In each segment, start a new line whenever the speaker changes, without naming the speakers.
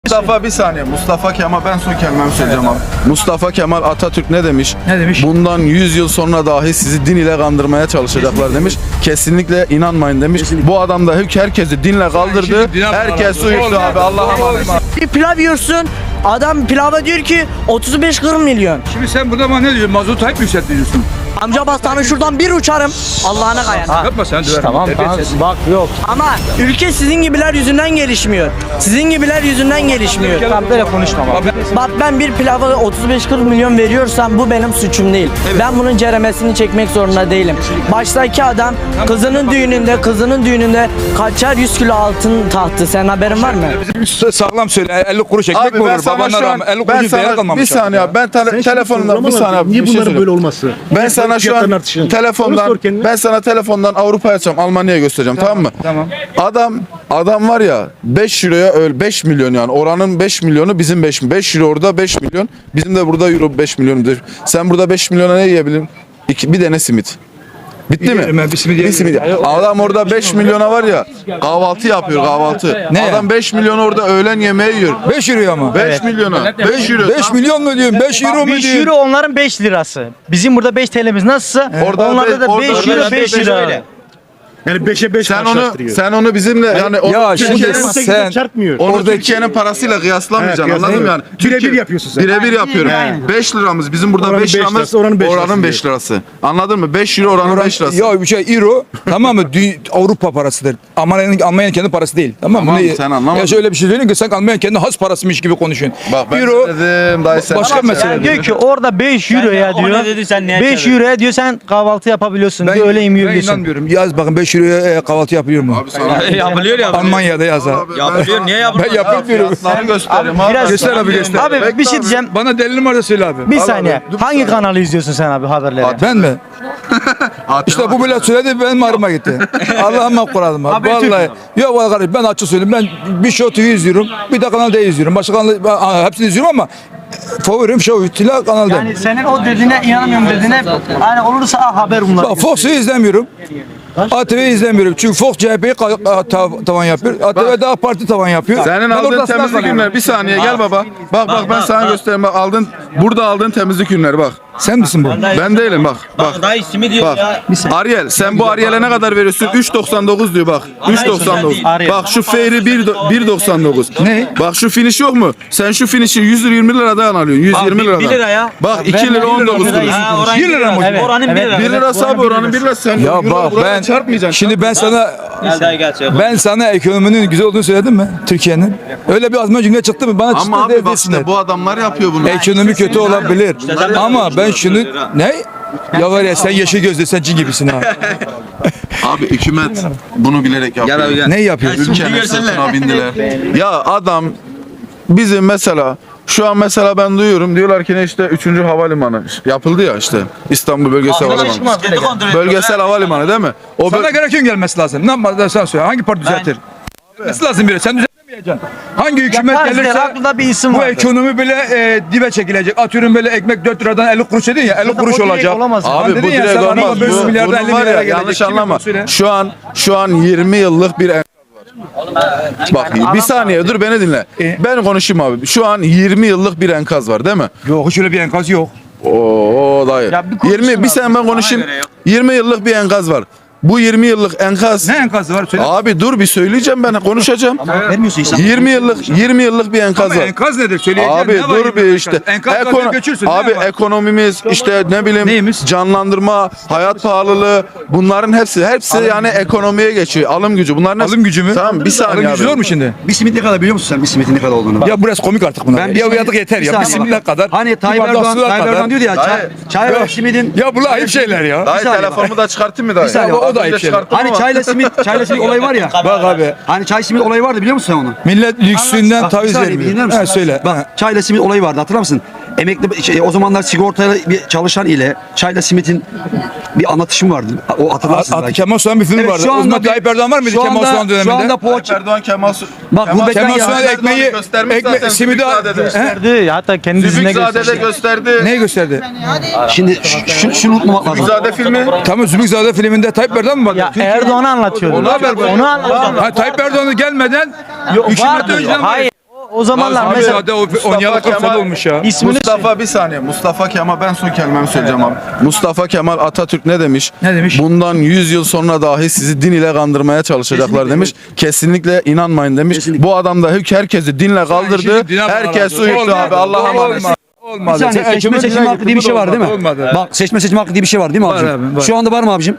Mustafa bir saniye. Mustafa Kemal, ben son kelimemi söyleyeceğim abi. Mustafa Kemal Atatürk ne demiş?
Ne demiş?
Bundan 100 yıl sonra dahi sizi din ile kandırmaya çalışacaklar demiş. Kesinlikle inanmayın demiş. Bu adam da herkesi dinle kaldırdı. Herkes uyuştu abi. Allah'a emanet.
Bir pilav yiyorsun. Adam pilava diyor ki 35-40 milyon.
Şimdi sen burada bana ne diyorsun? Mazot hep yükseltiyorsun.
Amca bak sana şuradan bir uçarım. Allah'ına kayan.
Yapma sen döverim.
Tamam bak yok. Ama ülke sizin gibiler yüzünden gelişmiyor. Sizin gibiler yüzünden gelişmiyor.
Tamam böyle konuşma bak.
Bak ben bir pilava 35-40 milyon veriyorsam bu benim suçum değil. Ben bunun ceremesini çekmek zorunda değilim. Baştaki adam kızının düğününde kaçar 100 kilo altın tahtı. Senin haberin var mı?
Sağlam söyle. 50 kuruş ekmek
Abi
mi
ben
olur?
sana
Babanlar
şu an,
rağmen 50
ben
kuruş değer
sana
kalmamış.
bir saniye abi. Ben telefonumdan bir saniye abi.
Niye
bir şey
bunların
söyleyeyim.
böyle olması?
Ben sana şu an telefondan Avrupa'ya açacağım, Almanya'ya göstereceğim, tamam mı?
Tamam.
Adam var ya 5 euroya 5 milyon, yani oranın 5 milyonu bizim 5 euro orada 5 milyon, bizim de burada euro 5 milyon. Sen burada 5 milyona ne yiyebilirim? Bir tane simit. Bitti mi?
Ben bir simit yiyeyim.
Adam orada 5 milyona var ya kahvaltı yapıyor, kahvaltı.
Ne?
Adam 5 milyon orada öğlen yemeği yiyor.
5 euro ama.
5 milyona. 5 euro.
5 milyon mu diyorsun? 5 euro mu
5
diyorsun?
euro onların 5 lirası. Bizim burada 5 TL'miz nasılsa onlarda da 5 euro 5 lira.
Yani 5'e 5
Sen onu bizimle yani
Ya şimdi
Türkiye'nin-
sen
çarpmıyor.
onu Türkiye'nin parasıyla kıyaslamayacaksın,
Evet,
anladın mı yani?
Birebir yapıyorsun sen.
Birebir yapıyorum.
Aynen.
5 liramız bizim burada
Oranın
5
5
liramız,
lirası, oranın 5
oranın
lirası
5 lirası. Anladın mı? 5 euro oranın 5 lirası.
Ya bir şey euro tamam mı? Avrupa parasıdır. Almanya'nın kendi parası değil. Tamam mı?
Tamam, sen anlamadın.
Ya şöyle bir şey söyleyeyim ki sen Almanya'nın kendi has parasıymış gibi konuşuyorsun.
Bak ben
euro
dedim dayı sen.
başka mesele.
Yani diyor ki orada 5 euroya
o
diyor.
ne dedi, sen neye
5
çevirdin?
euroya diyor sen kahvaltı yapabiliyorsun diyor öyle yemeği
ben
yiyorsun.
inanmıyorum. Yaz bakın 5 euroya kahvaltı yapıyor mu?
Abi sana
Yapılıyor ya.
Almanya'da yaz ha.
Yapılıyor. Niye yapılıyor?
Ben yapıyorum.
fiyatları göstereyim abi.
biraz-
Göster abi göster.
Abi bir şey diyeceğim.
Bana delilin var da söyle abi.
Bir
Al
saniye.
abi.
Hangi kanalı izliyorsun sen abi haberleri?
Ben mi? İşte bu bile söyledi benim ağrıma gitti. Allah'ıma kuradım abi. Vallahi. Yok vallahi kardeşim ben açık söyleyeyim. Ben bir Show TV izliyorum. Bir de Kanal D izliyorum. Başka kanal hepsini izliyorum ama favorim Show TV Kanal D.
Yani senin o dediğine inanamıyorum dediğine hani olursa haber bunlar.
Bak Fox'u izlemiyorum. ATV'yi izlemiyorum. Çünkü Fox CHP'yi tavan yapıyor. ATV daha parti tavan yapıyor.
Senin
Ben
aldığın
ortasından
temizlik
kalıyorum.
ürünleri, bir saniye gel baba. Bak ben sana göstereyim. Bak burada aldığın temizlik ürünleri bak.
Sen misin bu?
Ben değilim bak. Bak.
Daha ismi diyor
Bak.
ya.
Ariel sen bu Ariel'e ne kadar veriyorsun? 3.99 diyor bak. 3.99.
Ariel.
Bak şu Fairy 1.99.
Ne?
Bak şu finish yok mu? Sen şu finish'i 120 liradan alıyorsun. 120 liradan.
1 lira ya.
Bak 2 lira 19 kuruş.
Ha, oranın
1 lira mı?
Evet,
Oranın 1
evet.
lira.
1 lirası abi, oranın 1 lirası. Sen
Ya
euro
bak
buraya
ben
çarpmayacaksın.
şimdi ben sana
Gel dayı gel.
ben sana ekonominin güzel olduğunu söyledim mi Türkiye'nin? Öyle bir azma cümle çıktı mı? Bana
Ama
çıktı
abi bak
desinler.
işte bu adamlar yapıyor bunu.
Ekonomi kötü olabilir. Ama ben şunu ne? Ya var ya sen yeşil gözlü sen cin gibisin ha.
Abi hükümet bunu bilerek yapıyor.
Ne yapıyor?
Ülkenin sırtına bindiler. Ya adam bizim mesela şu an mesela ben duyuyorum, diyorlar ki ne işte 3. havalimanı yapıldı ya, işte İstanbul Bölgesel Havalimanı. Bölgesel havalimanı değil mi? O
Sana göre kim gelmesi lazım? Ne yapmalı sen söyle. Hangi parti düzeltir? Gelmesi lazım biri. Sen düzeltemeyeceksin. Hangi hükümet gelirse
aklında bir isim
bu
var.
ekonomi böyle dibe çekilecek. Atıyorum böyle ekmek 4 liradan 50 kuruş dedin ya 50 kuruş
o direkt
olacak.
olamaz.
Abi bu direkt olmaz.
Bu, milyardan 50
Bunun var ya,
milyara
yanlış
gelecek.
anlama.
Kim söyle?
Şu an 20 yıllık bir enkaz var. Bak bir saniye dur, beni dinle. Ben konuşayım abi. Şu an 20 yıllık bir enkaz var değil mi?
Yok hiç öyle bir enkaz yok.
Oo dayı.
Ya bir konuşsun
20 bir sene ben konuşayım. 20 yıllık bir enkaz var. Bu 20 yıllık enkaz.
Ne enkazı var söyle.
Abi dur bir söyleyeceğim, ben konuşacağım.
Vermiyorsun insan.
20 yıllık bir enkaz
Ama
var.
enkaz nedir söyleyeceğim.
Abi
ne var
dur bir
enkaz?
işte.
Enkaz
Ekono-
göçürsün.
abi
ne var?
ekonomimiz işte ne bileyim
Neyimiz?
canlandırma, hayat pahalılığı, bunların hepsi yani ekonomiye geçiyor. Alım gücü. Bunların hepsi.
Alım gücü mü?
Tamam bir saniye
Alım
abi.
gücü zor mu şimdi?
Bir simit ne kadar biliyor musun sen? Bir simitin ne kadar olduğunu?
Ya burası komik artık bunlar.
Ben
Ya
simit-
yatık yeter ya. Bir
saniye
simit
bak.
kadar.
Hani
bir
Tayyip
bardak
Erdoğan,
sular
Tayyip
kadar.
Erdoğan diyordu ya
Dayı.
çay ve simidin.
Ya bunlar ayıp şeyler ya.
Dayı
saniye
telefonumu da çıkarttın mı dayı?
saniye,
o da
Az önce
ayıp şeyler.
çıkarttım
Hani
ama-
çayla simit olayı var ya.
Bak abi.
Hani çay simit olayı vardı biliyor musun sen onu?
Millet lüksünden
Bak, bir
taviz
saniye, bir dinler
vermiyor.
misin?
Ha söyle.
Bak çayla simit olayı vardı hatırlar mısın? O zamanlar sigortalı bir çalışan ile çayla simitin bir anlatışım vardı. O hatırlarsın belki.
Kemal Sunal bir film
Evet,
vardı.
şu
O zaman
anda
Tayyip Erdoğan var mıydı
şu
Kemal
anda-
Sunal döneminde?
Şu anda
Tayyip
poğaça.
Erdoğan Kemal
Bak bu
Kemal
bekler
Sunal
ya.
ekmeği,
göstermiş zaten,
simidi
Zübükzade'de.
Gösterdi. Hatta kendi dizine
Zübükzade'de
gösterdi.
gösterdi.
Neyi gösterdi?
Şimdi şunu unutmamak lazım.
Zübükzade filmi.
Tamam Zübükzade filminde Tayyip Erdoğan mı vardı?
Ya Erdoğan'ı anlatıyordu.
Onu haber var.
Onu anlatıyordu.
Ha Tayyip Erdoğan'ı gelmeden
Yok,
hükümet
vardı.
önceden
Hayır. O zamanlar
Abi
mesela
hadi oynayalı 40 sene olmuş ya.
ismini
Mustafa bir saniye. Mustafa Kemal, ben son kelimemi söyleyeceğim abi. Mustafa Kemal Atatürk ne demiş?
Ne demiş?
Bundan 100 yıl sonra dahi sizi din ile kandırmaya çalışacaklar demiş. Kesinlikle inanmayın demiş.
Kesinlikle.
Bu adam da herkesi dinle kaldırdı.
şimdi dine
Herkes
bağladı.
uyuttu abi. Allah'a emanet.
Olmaz.
Bir
Olmadı.
saniye,
Sen
seçme
ekmeğe
seçim hakkı diye bir şey var değil mi?
Olmadı.
Bak seçme seçim hakkı diye bir şey var değil mi
Var
abicim?
abi, var.
Şu anda var mı abicim?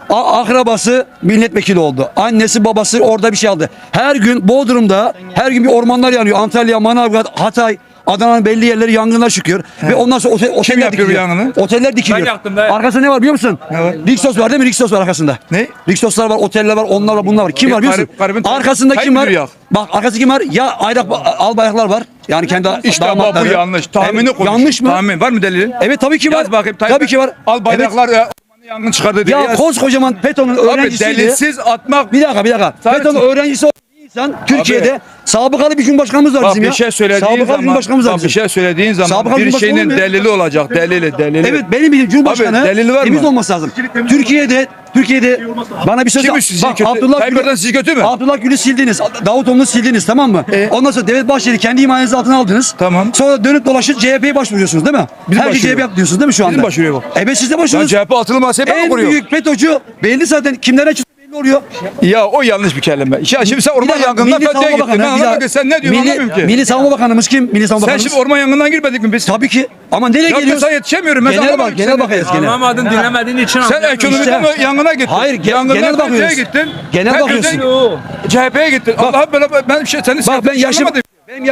Akrabası milletvekili oldu. Annesi babası orada bir şey aldı. Her gün Bodrum'da her gün bir ormanlar yanıyor. Antalya, Manavgat, Hatay, Adana'nın belli yerleri yangınlar çıkıyor. Ve ondan sonra oteller
yapıyor bu
dikiliyor.
yangını?
Oteller dikiliyor.
Ben yaktım da.
Arkasında ne var biliyor musun?
Ne var?
Rixos var değil mi? Rixos var arkasında.
Ne?
Rixoslar var, oteller var, onlar var, bunlar var. Kim var biliyor musun?
Garibin-
Arkasında kim var?
Hayır, yak.
Bak arkasında kim var? Ya ayrak albayraklar var. Yani kendi
İşte bu
damatları.
yanlış. Tahmini
Evet,
konuş.
yanlış mı?
Tahmin. Var mı delilin?
Evet tabii ki var.
Yaz bakayım.
Tabii ki var.
Al bayraklar ya. Yangın çıkardı diye.
Ya
yaz.
koskocaman FETÖ'nün
Abi
öğrencisiydi.
delilsiz atmak.
Bir dakika.
Sadece-
FETÖ'nün öğrencisi olan bir insan Türkiye'de sabıkalı bir cumhurbaşkanımız var
Bak
bizim
bir
ya.
şey söylediğin
sabıkalı
zaman,
cumhurbaşkanımız var
bak bir
bizim.
şey söylediğin zaman
Sabıkalı
bir
cumhurbaşkanı
şeyin
olmuyor.
delili olacak. Delili.
Evet benim bildiğim cumhurbaşkanı
Abi, delili var
temiz
mı?
olması lazım. Türkiye'de bana bir söz
Kimi sizi
bak
kötü?
Abdullah
Tayyip Erdoğan sizi kötü mü?
Abdullah Gül'ü sildiniz. Davutoğlu'nu sildiniz tamam mı? Ondan sonra Devlet Bahçeli kendi himayeniz altına aldınız.
Tamam.
Sonra dönüp dolaşıp CHP'ye başvuruyorsunuz değil mi?
Bizim
Her şey
başvuruyor.
CHP diyorsunuz değil mi şu anda?
Bizim başvuruyor bu.
Evet siz de
Lan
başvuruyorsunuz.
CHP altılı masaya ben mi
En
kuruyor?
büyük FETÖ'cü belli zaten kimlere çıktı belli oluyor.
Ya o yanlış bir kelime. Ya şimdi sen orman yangından
Milli
FETÖ'ye
Savunma
gittin. Ben
Bakanı, bir
anlamadım
daha-
ki. Sen ne diyorsun anlamıyorum ki.
Milli Savunma Bakanımız kim? Milli Savunma
Sen
Bakanımız.
şimdi orman yangından girmedik mi biz?
Tabii ki. Ama nereye
Ya
geliyoruz?
ben sana yetişemiyorum. Ben sana
Genel
anlamadım
bak, genel
seni.
bakacağız genel.
Anlamadın, dinlemediğin için
Sen ekonomiden
İşte.
yangına gittin.
Hayır,
Yangından
genel
FETÖ'ye
bakıyoruz.
gittin.
Genel
FETÖ'den
bakıyorsun.
CHP'ye gittin. Allah böyle ben bir şey seni
Bak ben yaşım
anlamadım.
benim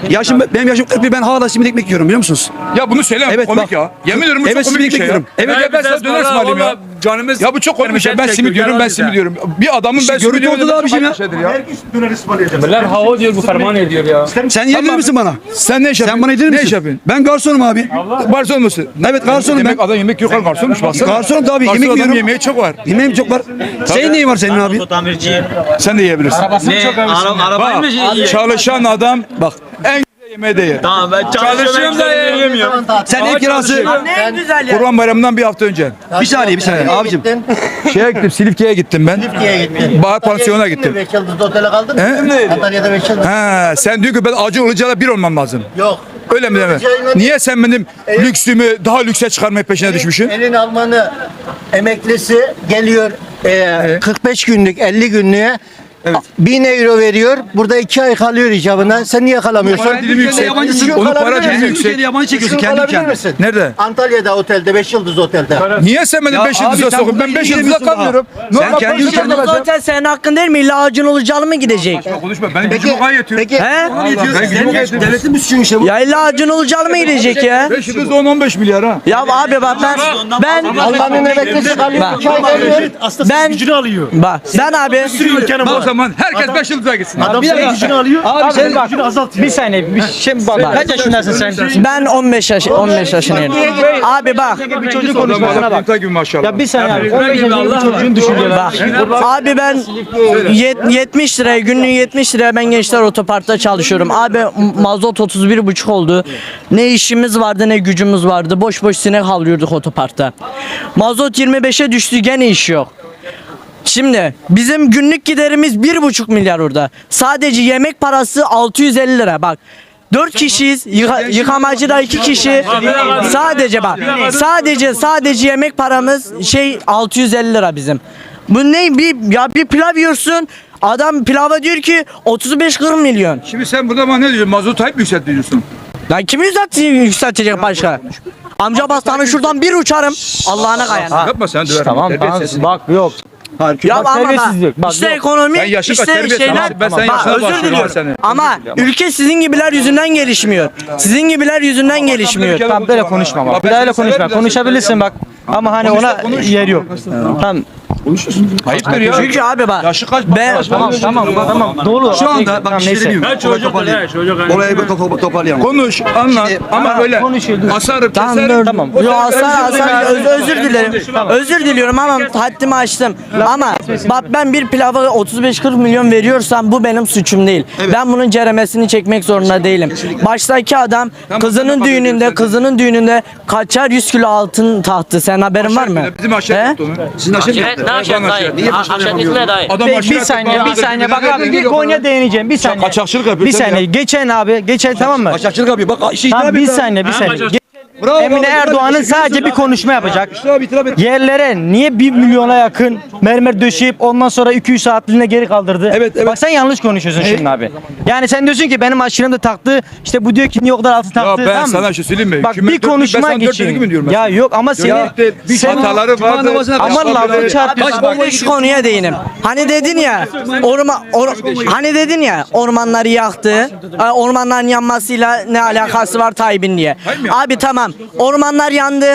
yaşım 41, ben hala simit ekmek yiyorum biliyor musunuz?
Ya bunu söyleme
Evet,
komik
bak.
ya. Yemin ederim bu
Evet,
çok komik bir
simit
şey ya.
bekliyorum.
Evet ya ben sana döner ısmarlayayım ya.
Canımız
Ya bu çok komik bir şey. Ben simit diyorum, ben simit diyorum. Bir adamın ben simit
görüntü
diyorum.
ortada abiciğim ya.
Herkes döner ısmarlayacak.
Bunlar hava diyor, bu ferman ediyor ya.
Sen yedir misin bana?
Sen ne iş yapıyorsun?
Sen bana yedir
Ne iş
misin?
yapıyorsun?
Ben garsonum abi.
Garson musun?
Evet garsonum ben.
Yemek adam yemek yok garsonmuş baksana.
Garsonum tabii
Garson
yemek
adam
yiyorum.
yemeği çok var.
Yemeğim çok var. Senin neyin var senin abi?
Tamirci.
Sen de yiyebilirsin.
Arabayı mı yiyor?
Çalışan adam bak en güzel yemeği de yer.
Tamam ben çalışıyorum da yiyemiyorum.
Sen ev kirası.
Ne güzel ya.
Kurban Bayramı'ndan bir hafta önce.
Bir saniye abicim.
Şeye gittim, Silifke'ye gittim ben.
Silifke'ye gittin.
Bahar Pansiyon'a gittim.
5 yıldızlı otele kaldın mı?
He?
Antalya'da 5 yıldız.
Ha, sen diyor ki ben Acun Ilıcalı'yla bir olmam lazım.
Yok.
Öyle mi deme? Niye sen benim lüksümü daha lükse çıkarmaya peşine düşmüşsün?
Elin Almanı emeklisi geliyor 45 günlük 50 günlüğe 1000 euro veriyor. Burada 2 ay kalıyor icabına. Sen niye kalamıyorsun?
Para dilimi yüksek.
Yabancısın.
Onun para
Kalabilir
dilimi
misin?
yüksek.
Türkiye'de yabancı çekiyorsun
Düşkün
kendi
kalabilir
ülkende.
misin?
Nerede?
Antalya'da otelde 5 yıldız otelde.
Niye sen beni
Ya
5
abi
yıldıza
sen
sokuyorsun? Ben
bununla
5 yıldıza
ilgileniyorsun
kalmıyorum.
daha. Sen
Normal
kendi
konuşuyorum
ülkende
ben
Yıldız
sen.
Otel senin hakkın değil mi? İlla Acun Ilıcalı mı gidecek?
Konuşma benim gücüm o gayet yetiyor.
Peki
He?
Ben gücüm o gayet yetiyor.
Devletin bir suçu işte bu.
Ya illa Acun Ilıcalı mı gidecek ya?
5 yıldız 10-15 milyar ha.
Ya abi bak ben
Almanın emeklisi kalıyor. 2 ay kalıyor.
ben
Gücünü alıyor.
bak ben abi
O zaman herkes 5 yıldıza gitsin.
Adam
Bir
senin
dakika.
gücünü alıyor.
Abi sen
senin gücünü azaltıyor.
Bir saniye. Şimdi bak. Kaç yaşındasın sen?
ben 15 yaşındayım. Abi bak
Bir çocuk konuşmasına bak.
Gibi maşallah.
Ya bir saniye abi. 15 yaşındaki bir çocuğun düşünceleri.
bak. Abi ben 70 liraya günlüğü 70 liraya ben Gençler Otopark'ta çalışıyorum. Abi mazot 31,5 oldu. Ne işimiz vardı ne gücümüz vardı. Boş boş sinek havlıyorduk otoparkta. Mazot 25'e düştü gene iş yok. Şimdi bizim günlük giderimiz 1,5 milyar orada. Sadece yemek parası 650 lira bak. 4 kişiyiz. Yıkamacıda 2 kişi. Sadece bak. Sadece yemek paramız 650 lira bizim. Bu ne bir pilav yiyorsun. Adam pilava diyor ki 35-40 milyon.
Şimdi sen burada bana ne diyorsun? Mazot hep yükseltiyorsun.
Lan kimi yükseltecek başka? Amca bastanı şuradan bir uçarım. Allah'ına kayan.
Yapma sen döverim.
Tamam
Terbiyesiz.
bak yok.
Ya ama
terbiyesizlik. Bak,
işte
yok.
ekonomi,
Ben yaşlı
işte
terbiyesiz.
şeyler.
Ben senin
Bak,
yaşına
özür
başlıyorum
diliyorum.
seni.
Ama ülke sizin gibiler yüzünden gelişmiyor. Sizin gibiler yüzünden gelişmiyor.
Tamam böyle konuşma bak. Bir daha öyle konuşma. Konuşabilirsin bak. Ama hani ona yer yok. Tamam.
Ayıptır ya.
Çünkü abi bak.
Yaşı kaç?
Ben,
Tamam. Doğru.
Şu anda bak bir şey
neyse.
demiyorum. Orayı bir toparlayalım.
Konuş, anlat ama böyle
konuşuyor.
asarım,
Tamam,
keserim.
Tamam.
Yo, özür dilerim. Özür diliyorum ama haddimi aştım. Ama bak ben bir pilava 35-40 milyon veriyorsam bu benim suçum değil. Ben bunun ceremesini çekmek zorunda değilim. Baştaki adam kızının düğününde kaçar 100 kilo altın tahtı. Sen haberin var mı?
Bizim aşağı
He?
yaptı onu.
Sizin aşağı
Evet,
Ne aşiret dayı? Aşiret ismi ne dayı?
Adam
Bir saniye bak abi bir konuya değineceğim bir saniye.
Kaçakçılık yapıyor,
Bir
tabii
saniye geçen tamam mı?
Kaçakçılık yapıyor. Bak işi
Tamam
itiraf
bir
etti.
saniye bir saniye.
Bravo,
Emine
bravo,
Erdoğan'ın
bravo.
sadece bir konuşma yapacak.
İşte abi itiraf etti.
Yerlere niye 1 milyona yakın mermer döşeyip ondan sonra 200 saatliğine geri kaldırdı?
Evet, evet.
Bak sen yanlış konuşuyorsun şimdi abi. Yani sen diyorsun ki benim aşırım da taktı. İşte bu diyor ki niye o kadar altın taktı.
ben
tamam mı?
sana bir şey söyleyeyim mi?
Bak
Hükümet
bir
dört- ben
konuşma
sana dört dönük mü
geçin.
diyorum
Ya
mesela?
yok ama senin
hataları
Cuma
vardı.
namazına
ama
başka
lafı
biri-
çarpıyorsun.
Bak şu konuya değinim. Hani dedin ya hani dedin ya ormanları yaktı. Ormanların yanmasıyla ne alakası var Tayyip'in diye. Abi tamam. Ormanlar yandı.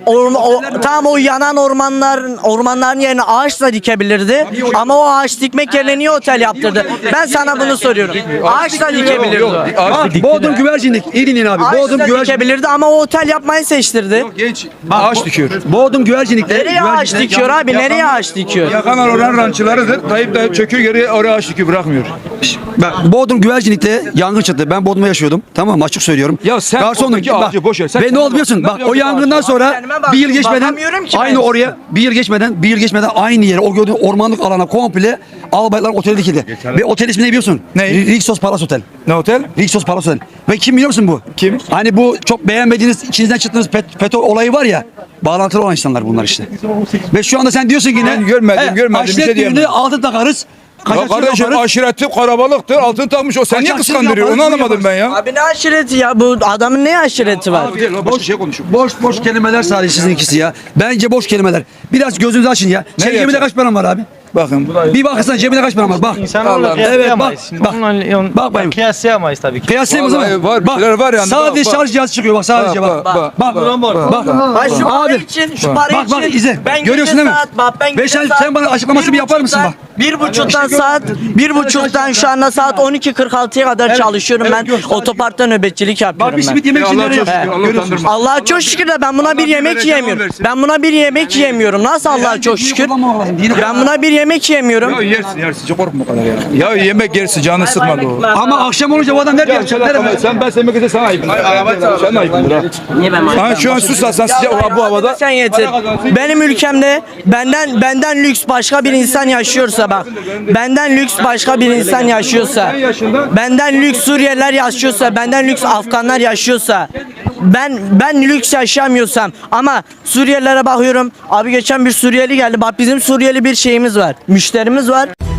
Tamam o yanan ormanların yerine ağaç da dikebilirdi. Ama o ağaç dikmek yerine niye otel yaptırdı? Ben sana bunu soruyorum. Ağaç da dikebilirdi.
Bak, Bodrum güvercinlik. İyi dinleyin abi.
Ağaç
Bodrum
da
güvercinlik.
dikebilirdi ama o otel yapmayı seçtirdi.
Genç ağaç dikiyor.
Bodrum güvercinlikte.
Nereye ağaç dikiyor abi? Nereye ağaç dikiyor?
Yakanlar oranın rançılarıdır. Tayyip de çöküyor geri oraya ağaç dikiyor bırakmıyor.
Bak Bodrum güvercinlikte yangın çıktı. Ben Bodrum'da yaşıyordum. Tamam mı? Açık söylüyorum.
Ya sen
Garsonum.
oradaki ağacı boş ver. Sen
Ve ne
kendine
oldu biliyorsun?
bak.
Bak
Ne
o
yapıyor
yangından sonra
Kendime
bir yıl
bakıyorum,
geçmeden
bakamıyorum ki
aynı
ben.
oraya bir yıl geçmeden aynı yere o gördüğün ormanlık alana komple Albaylar Oteli dikildi. Ve otel ismi ne biliyorsun?
Ne?
Rixos Palace Otel.
Ne otel?
Rixos Palace Otel. Ve kim biliyor musun bu?
Kim?
Hani bu çok beğenmediğiniz, içinizden çıktığınız FETÖ olayı var ya. Bağlantılı olan insanlar bunlar işte. Ve şu anda sen diyorsun ki ne?
Ben görmedim, bir şey
aşiret
diyemem.
düğünü altın takarız.
Ya
Kaçakçılık
kardeşim
yaparız.
aşireti karabalıktır. Altın takmış. O sen niye
Kaçakçılık
kıskandırıyor? Onu
yaparız,
anlamadım ben ya.
Abi ne aşireti ya? Bu adamın ne aşireti var?
Boş şey konuşuyor.
Boş kelimeler sadece sizin ikisi ya. Bence boş kelimeler. Biraz gözünüzü açın ya. Senin
Nereye
cebinde
açın?
kaç paran var abi?
Bakın bu da
Bir bakırsan cebinde kaç paran var? Bak.
İnsanoğlu
Evet,
kıyaslayamayız.
bak, bak bayım.
Kıyaslayamayız tabii ki.
Kıyaslayayım o
Vallahi
zaman.
var, bir şeyler var yani.
Sadece
Bak, bak.
şarj cihazı çıkıyor bak sadece bak. Bak.
Ha şu para
Abi.
için, şu para
Bak,
için.
bak, izle.
Ben
Görüyorsun
gece
değil mi?
saat, bak ben
Ve
gece
sen-
saat,
sen bana açıklamasını bir yapar mısın bak?
1.30'dan saat, 1.30'dan şu anda saat 12.46'ya kadar çalışıyorum ben. Otoparkta nöbetçilik
Bak
yapıyorum
bir
ben.
simit yemek için
Allah'a
nereye
çok şükür.
yapıyorsun?
Allah
Görüyorsun.
utandırma.
Allah'a çok şükür de ben buna bir yemek
vereceğim,
yiyemiyorum.
versin.
Ben buna bir yemek yiyemiyorum. Nasıl Allah'a çok şükür? Ben buna bir yemek yiyemiyorum.
Ya yersin. Çok korkma o kadar ya. Ya yemek yersin canını sıkma da o.
Ama akşam olunca bu adam nerede yapacak?
Sen yemek ise sana ayıpın. Sen ayıpındır ha.
Niye ben
Ha şu an susarsan sıcak bu havada.
Sen yeter. Benim ülkemde benden lüks başka bir insan yaşıyorsa bak. Benden lüks başka bir insan yaşıyorsa. Benden lüks Suriyeliler yaşıyorsa, benden lüks Afganlar yaşıyorsa. Ben lüks yaşamıyorsam ama Suriyelilere bakıyorum. Abi geçen bir Suriyeli geldi. Bak bizim Suriyeli bir şeyimiz var. Müşterimiz var.